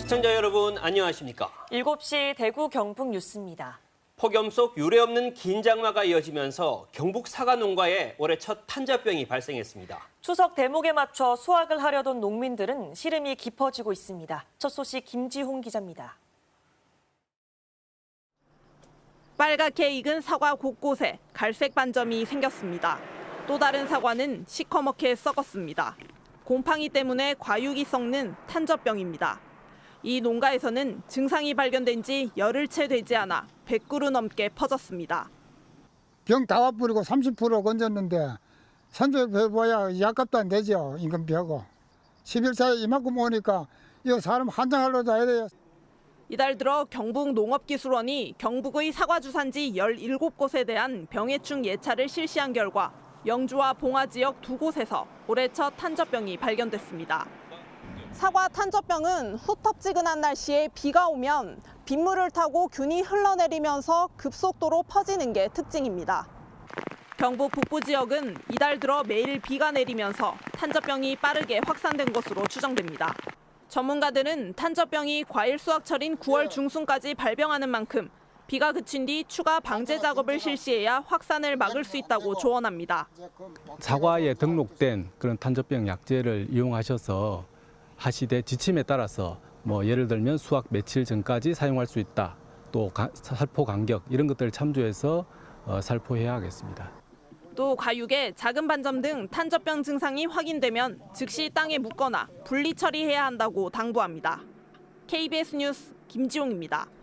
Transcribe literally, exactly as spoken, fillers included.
시청자 여러분 안녕하십니까? 일곱 시 대구 경북 뉴스입니다. 폭염 속 유례없는 긴장마가 이어지면서 경북 사과 농가에 올해 첫 탄저병이 발생했습니다. 추석 대목에 맞춰 수확을 하려던 농민들은 시름이 깊어지고 있습니다. 첫 소식 김지홍 기자입니다. 빨갛게 익은 사과 곳곳에 갈색 반점이 생겼습니다. 또 다른 사과는 시커멓게 썩었습니다. 곰팡이 때문에 과육이 썩는 탄저병입니다. 이 농가에서는 증상이 발견된 지 열흘 채 되지 않아 백 그루 넘게 퍼졌습니다. 병 다 와버리고 삼십 퍼센트 건졌는데 선조해봐야 약값도 안 되죠. 임금비하고. 십 일 사이에 이만큼 오니까 이거 사람 한장하려도 해야 돼요. 이달 들어 경북 농업기술원이 경북의 사과 주산지 열일곱 곳에 대한 병해충 예찰을 실시한 결과 영주와 봉화 지역 두 곳에서 올해 첫 탄저병이 발견됐습니다. 사과 탄저병은 후텁지근한 날씨에 비가 오면 빗물을 타고 균이 흘러내리면서 급속도로 퍼지는 게 특징입니다. 경북 북부 지역은 이달 들어 매일 비가 내리면서 탄저병이 빠르게 확산된 것으로 추정됩니다. 전문가들은 탄저병이 과일 수확철인 구월 중순까지 발병하는 만큼 비가 그친 뒤 추가 방제 작업을 실시해야 확산을 막을 수 있다고 조언합니다. 사과에 등록된 그런 탄저병 약제를 이용하셔서 하시되 지침에 따라서 뭐 예를 들면 수확 며칠 전까지 사용할 수 있다. 또 가, 살포 간격 이런 것들을 참조해서 어, 살포해야 하겠습니다. 또 과육에 작은 반점 등 탄저병 증상이 확인되면 즉시 땅에 묻거나 분리 처리해야 한다고 당부합니다. 케이비에스 뉴스 김지용입니다.